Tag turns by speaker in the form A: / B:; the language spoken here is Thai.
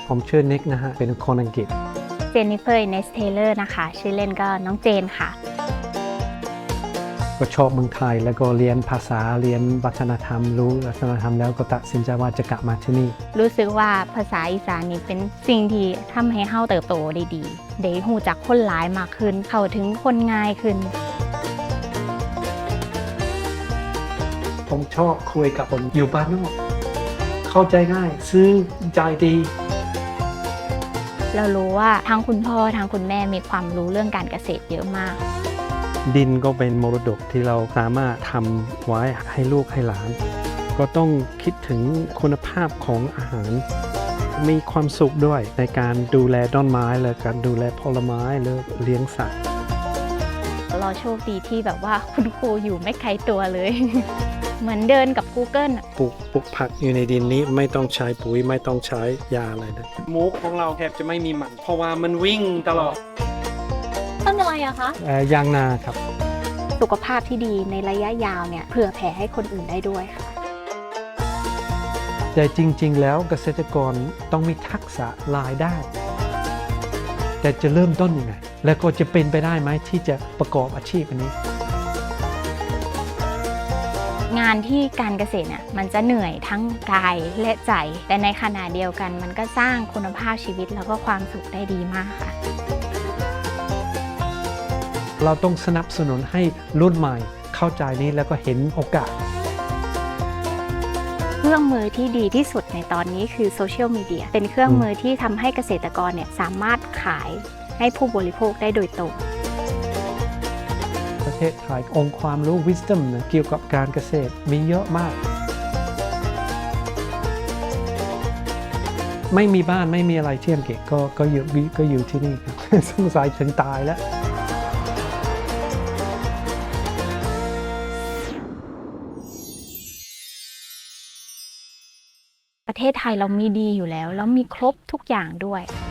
A: ผมชื่อนิกนะฮะเป็นคนอังกฤษ
B: เจนนิเฟอร์เนสเทเลอร์นะคะชื่อเล่นก็น้องเจนค่ะ
A: ก็ชอบเมืองไทยแล้วก็เรียนภาษาเรียนวัฒนธรรมรู้วัฒนธรรมแล้วก็ตัดสินใจว่าจะกลับมาที่นี่
B: รู้สึกว่าภาษาอีสานนี่เป็นสิ่งที่ทำให้เฮาเติบโตได้ดีได้หูจักคนหลายมากขึ้นเข้าถึงคนง่ายขึ้น
A: ผมชอบคุยกับคนอยู่บ้านนอกเข้าใจง่ายซื้อใจดี
B: เรารู้ว่าทั้งคุณพ่อทั้งคุณแม่มีความรู้เรื่องการเกษตรเยอะมาก
A: ดินก็เป็นมรดกที่เราสามารถทำไว้ให้ลูกให้หลานก็ต้องคิดถึงคุณภาพของอาหารมีความสุขด้วยในการดูแลต้นไม้และการดูแลผลไม้หรือเลี้ยงสัตว์
B: เราโชคดีที่แบบว่าคุณครูอยู่ไม่ไกลตัวเลย เหมือนเดินกับ Google
A: ปลูกผักอยู่ในดินนี้ไม่ต้องใช้ปุ๋ยไม่ต้องใช้ยาอะไรเลยหมูของเราแทบจะไม่มีมันเพราะว่ามันวิ่งตลอด
B: ต้นอะไรอะคะ
A: ยางนาครับ
B: สุขภาพที่ดีในระยะยาวเนี่ยเผื่อแผ่ให้คนอื่นได้ด้วยค่ะ
A: แต่จริงๆแล้วเกษตรกรต้องมีทักษะรายได้แต่จะเริ่มต้นยังไงแล้วก็จะเป็นไปได้ไหมที่จะประกอบอาชีพอันนี้
B: งานที่การเกษตรเนี่ยมันจะเหนื่อยทั้งกายและใจแต่ในขณะเดียวกันมันก็สร้างคุณภาพชีวิตแล้วก็ความสุขได้ดีมากค่ะ
A: เราต้องสนับสนุนให้รุ่นใหม่เข้าใจนี้แล้วก็เห็นโอกาส
B: เครื่องมือที่ดีที่สุดในตอนนี้คือโซเชียลมีเดียเป็นเครื่องมือที่ทำให้เกษตรกรเนี่ยสามารถขายให้ผู้บริโภคได้โดยตรง
A: ประเทศไทยองค์ความรู้ wisdom นะเกี่ยวกับการเกษตรมีเยอะมากไม่มีบ้านไม่มีอะไรเที่ยงเก็บก็อยู่ที่นี่ครับ สงสัยถึงตายแล้ว
B: ประเทศไทยเรามีดีอยู่แล้วแล้วมีครบทุกอย่างด้วย